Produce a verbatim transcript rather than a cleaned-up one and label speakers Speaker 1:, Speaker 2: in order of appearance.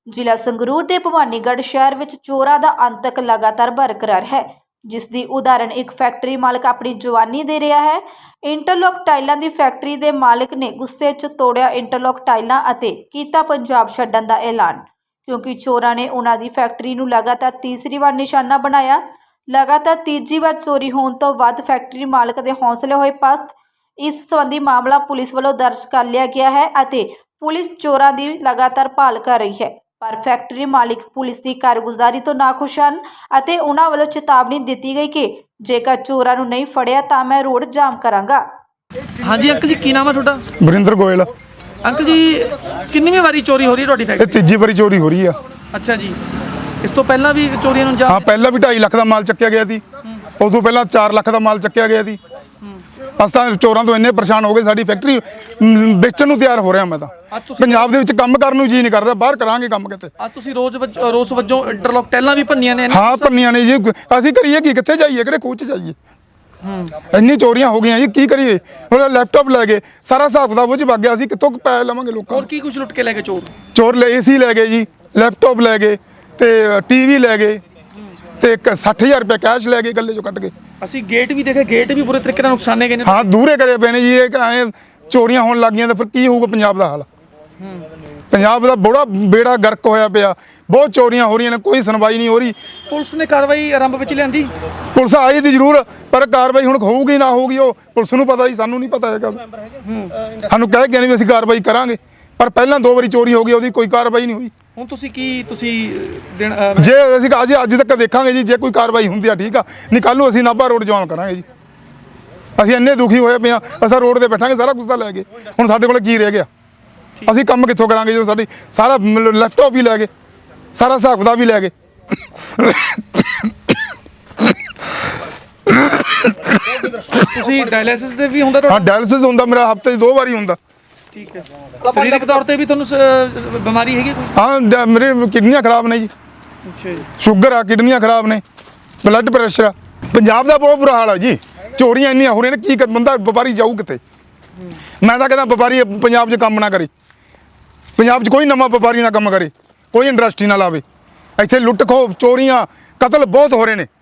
Speaker 1: ਜ਼ਿਲ੍ਹਾ ਸੰਗਰੂਰ ਦੇ ਭਵਾਨੀਗੜ੍ਹ ਸ਼ਹਿਰ ਵਿੱਚ ਚੋਰਾਂ ਦਾ ਅੰਤਕ ਲਗਾਤਾਰ ਬਰਕਰਾਰ ਹੈ, ਜਿਸ ਦੀ ਉਦਾਹਰਣ ਇੱਕ ਫੈਕਟਰੀ ਮਾਲਕ ਆਪਣੀ ਜਵਾਨੀ ਦੇ ਰਿਹਾ ਹੈ। ਇੰਟਰਲੋਕ ਟਾਈਲਾਂ ਦੀ ਫੈਕਟਰੀ ਦੇ ਮਾਲਕ ਨੇ ਗੁੱਸੇ 'ਚ ਤੋੜਿਆ ਇੰਟਰਲੋਕ ਟਾਈਲਾਂ ਅਤੇ ਕੀਤਾ ਪੰਜਾਬ ਛੱਡਣ ਦਾ ਐਲਾਨ, ਕਿਉਂਕਿ ਚੋਰਾਂ ਨੇ ਉਹਨਾਂ ਦੀ ਫੈਕਟਰੀ ਨੂੰ ਲਗਾਤਾਰ ਤੀਸਰੀ ਵਾਰ ਨਿਸ਼ਾਨਾ ਬਣਾਇਆ। ਲਗਾਤਾਰ ਤੀਜੀ ਵਾਰ ਚੋਰੀ ਹੋਣ ਤੋਂ ਬਾਅਦ ਫੈਕਟਰੀ ਮਾਲਕ ਦੇ ਹੌਸਲੇ ਹੋਏ ਪਸਤ। ਇਸ ਸੰਬੰਧੀ ਮਾਮਲਾ ਪੁਲਿਸ ਵੱਲੋਂ ਦਰਜ ਕਰ ਲਿਆ ਗਿਆ ਹੈ ਅਤੇ ਪੁਲਿਸ ਚੋਰਾਂ ਦੀ ਲਗਾਤਾਰ ਭਾਲ ਕਰ ਰਹੀ ਹੈ। ਪਰ ਫੈਕਟਰੀ ਮਾलिक ਪੁਲਿਸ ਦੀ ਕਾਰਗੁਜ਼ਾਰੀ ਤੋਂ ਨਾਖੁਸ਼ ਹਨ ਅਤੇ ਉਹਨਾਂ ਵੱਲੋਂ ਚੇਤਾਵਨੀ ਦਿੱਤੀ ਗਈ ਕਿ ਜੇਕਰ ਚੋਰਾਂ ਨੂੰ ਨਹੀਂ ਫੜਿਆ ਤਾਂ ਮੈਂ ਰੋਡ ਜਾਮ ਕਰਾਂਗਾ।
Speaker 2: ਹਾਂਜੀ ਅੰਕਲ ਜੀ, ਕੀ ਨਾਮ ਹੈ ਤੁਹਾਡਾ?
Speaker 3: ਵਰਿੰਦਰ ਗੋਇਲ।
Speaker 2: ਅੰਕਲ ਜੀ, ਕਿੰਨੀ ਵਾਰੀ ਚੋਰੀ ਹੋ ਰਹੀ ਹੈ ਤੁਹਾਡੀ
Speaker 3: ਇਹ
Speaker 2: ਫੈਕਟਰੀ?
Speaker 3: ਤੀਜੀ ਵਾਰੀ ਚੋਰੀ ਹੋ ਰਹੀ ਆ।
Speaker 2: ਅੱਛਾ ਜੀ, ਇਸ ਤੋਂ ਪਹਿਲਾਂ ਵੀ ਚੋਰੀਆਂ ਨੂੰ
Speaker 3: ਹਾਂ, ਪਹਿਲਾਂ ਵੀ ਢਾਈ ਲੱਖ ਦਾ ਮਾਲ ਚੱਕਿਆ ਗਿਆ ਸੀ। ਉਸ ਤੋਂ ਪਹਿਲਾਂ ਚਾਰ ਲੱਖ ਦਾ ਮਾਲ ਚੱਕਿਆ ਗਿਆ ਸੀ। ਅਸੀਂ ਤਾਂ ਚੋਰਾਂ ਤੋਂ ਇੰਨੇ ਪਰੇਸ਼ਾਨ ਹੋ ਗਏ, ਸਾਡੀ ਫੈਕਟਰੀ ਵੇਚਣ ਨੂੰ ਤਿਆਰ ਹੋ ਰਿਹਾ। ਮੈਂ ਤਾਂ ਪੰਜਾਬ ਦੇ ਵਿੱਚ ਕੰਮ ਕਰਨ ਨੂੰ ਜੀ ਨਹੀਂ ਕਰਦਾ, ਬਾਹਰ ਕਰਾਂਗੇ ਕੰਮ ਕਿਤੇ।
Speaker 2: ਅੱਜ ਤੁਸੀਂ ਰੋਜ਼ ਰੋਜ਼ ਵਜੋਂ ਇੰਟਰਲੋਕ ਟੈਲਾਂ ਵੀ ਭੰਨੀਆਂ ਨੇ?
Speaker 3: ਹਾਂ, ਭੰਨੀਆਂ ਨੇ ਜੀ। ਅਸੀਂ ਕਰੀਏ ਕੀ, ਕਿੱਥੇ ਜਾਈਏ, ਕਿਹੜੇ ਖੂਹ 'ਚ ਜਾਈਏ? ਇੰਨੀ ਚੋਰੀਆਂ ਹੋ ਗਈਆਂ ਜੀ, ਕੀ ਕਰੀਏ? ਹੁਣ ਲੈਪਟਾਪ ਲੈ ਗਏ, ਸਾਰਾ ਹਿਸਾਬ ਕਿਤਾਬ ਉਹ 'ਚ ਵਗ ਗਿਆ। ਅਸੀਂ ਕਿੱਥੋਂ ਪੈਸੇ ਲਵਾਂਗੇ ਲੋਕਾਂ?
Speaker 2: ਹੋਰ ਕੀ ਕੁਝ ਲੁੱਟ ਕੇ ਲੈ ਗਏ ਚੋਰ?
Speaker 3: ਚੋਰ ਲੈ ਏਸੀ ਲੈ ਗਏ ਜੀ, ਲੈਪਟਾਪ ਲੈ ਗਏ ਤੇ ਟੀਵੀ ਲੈ ਗਏ ਤੇ ਸੱਠ ਹਜ਼ਾਰ ਰੁਪਏ ਕੈਸ਼ ਲੈ ਗਏ ਗੱਲੇ 'ਚੋਂ ਕੱਢ ਕੇ।
Speaker 2: ਅਸੀਂ ਗੇਟ ਵੀ ਦੇਖੇ, ਗੇਟ ਵੀ ਬੁਰੇ ਤਰੀਕੇ ਨਾਲ ਨੁਕਸਾਨੇ ਗਏ ਨੇ।
Speaker 3: ਹਾਂ, ਦੂਰੇ ਕਰੇ ਪਏ ਨੇ ਜੀ। ਇਹ ਐਂ ਚੋਰੀਆਂ ਹੋਣ ਲੱਗ ਗਈਆਂ ਤਾਂ ਫਿਰ ਕੀ ਹੋਊਗਾ ਪੰਜਾਬ ਦਾ ਹਾਲ? ਪੰਜਾਬ ਦਾ ਬੜਾ ਬੇੜਾ ਗਰਕ ਹੋਇਆ ਪਿਆ। ਬਹੁਤ ਚੋਰੀਆਂ ਹੋ ਰਹੀਆਂ ਨੇ, ਕੋਈ ਸੁਣਵਾਈ ਨਹੀਂ ਹੋ ਰਹੀ।
Speaker 2: ਪੁਲਿਸ ਨੇ ਕਾਰਵਾਈ ਆਰੰਭ ਵਿੱਚ ਲਿਆਂਦੀ?
Speaker 3: ਪੁਲਿਸ ਆਈ ਦੀ ਜ਼ਰੂਰ, ਪਰ ਕਾਰਵਾਈ ਹੁਣ ਹੋਊਗੀ ਨਾ ਹੋਊਗੀ ਉਹ ਪੁਲਿਸ ਨੂੰ ਪਤਾ ਜੀ, ਸਾਨੂੰ ਨਹੀਂ ਪਤਾ ਹੈਗਾ। ਸਾਨੂੰ ਕਹਿ ਕੇ ਨਹੀਂ ਵੀ ਅਸੀਂ ਕਾਰਵਾਈ ਕਰਾਂਗੇ, ਪਰ ਪਹਿਲਾਂ ਦੋ ਵਾਰੀ ਚੋਰੀ ਹੋ ਗਈ, ਉਹਦੀ ਕੋਈ ਕਾਰਵਾਈ ਨਹੀਂ ਹੋਈ।
Speaker 2: ਹੁਣ ਤੁਸੀਂ ਕੀ ਤੁਸੀਂ ਦਿਨ
Speaker 3: ਜੇ ਅਸੀਂ ਅੱਜ ਅੱਜ ਤੱਕ ਦੇਖਾਂਗੇ ਜੀ, ਜੇ ਕੋਈ ਕਾਰਵਾਈ ਹੁੰਦੀ ਆ ਠੀਕ ਆ, ਨਹੀਂ ਕੱਲ੍ਹ ਨੂੰ ਅਸੀਂ ਨਾਭਾ ਰੋਡ ਜਾਮ ਕਰਾਂਗੇ ਜੀ। ਅਸੀਂ ਇੰਨੇ ਦੁਖੀ ਹੋਏ ਪਏ ਆ, ਅਸੀਂ ਰੋਡ ਤੇ ਬੈਠਾਂਗੇ, ਸਾਰਾ ਕੁਝ ਤਾਂ ਲੈ ਗਏ। ਹੁਣ ਸਾਡੇ ਕੋਲ ਕੀ ਰਹਿ ਗਿਆ? ਅਸੀਂ ਕੰਮ ਕਿੱਥੋਂ ਕਰਾਂਗੇ ਜਦੋਂ ਸਾਡੀ ਸਾਰਾ ਲੈਪਟਾਪ ਵੀ ਲੈ ਗਏ, ਸਾਰਾ ਹਿਸਾਬ ਕਿਤਾਬ ਵੀ ਲੈ ਗਏ।
Speaker 2: ਤੁਸੀਂ ਡਾਇਲਿਸਿਸ ਦੇ ਵੀ ਹੁੰਦਾ?
Speaker 3: ਹਾਂ, ਡਾਇਲਿਸਿਸ ਹੁੰਦਾ ਮੇਰਾ, ਹਫ਼ਤੇ 'ਚ ਦੋ ਵਾਰੀ ਹੁੰਦਾ।
Speaker 2: ਠੀਕ ਹੈ। ਸਰੀਰਕ ਤੌਰ ਤੇ ਵੀ ਤੁਹਾਨੂੰ ਸ- ਬਿਮਾਰੀ ਹੈਗੀ ਕੋਈ?
Speaker 3: ਹਾਂ, ਮੇਰੇ ਕਿਡਨੀਆਂ ਖਰਾਬ ਨੇ ਜੀ।
Speaker 2: ਅੱਛਾ ਜੀ।
Speaker 3: ਸ਼ੂਗਰ ਆ, ਕਿਡਨੀਆਂ ਖਰਾਬ ਨੇ, ਬਲੱਡ ਪ੍ਰੈਸ਼ਰ ਆ। ਪੰਜਾਬ ਦਾ ਬਹੁਤ ਬੁਰਾ ਹਾਲ ਆ ਜੀ। ਚੋਰੀਆਂ ਇੰਨੀਆਂ ਹੋ ਰਹੀਆਂ ਨੇ, ਕੀ ਕਰ ਬੰਦਾ ਵਪਾਰੀ ਜਾਊ ਕਿੱਥੇ? ਮੈਂ ਤਾਂ ਕਹਿੰਦਾ ਵਪਾਰੀ ਪੰਜਾਬ 'ਚ ਕੰਮ ਨਾ ਕਰੇ, ਪੰਜਾਬ 'ਚ ਕੋਈ ਨਵਾਂ ਵਪਾਰੀ ਨਾ ਕੰਮ ਕਰੇ, ਕੋਈ ਇੰਡਸਟਰੀ ਨਾ ਲਾਵੇ। ਇੱਥੇ ਲੁੱਟ ਖੋਹ, ਚੋਰੀਆਂ, ਕਤਲ ਬਹੁਤ ਹੋ ਰਹੇ ਨੇ।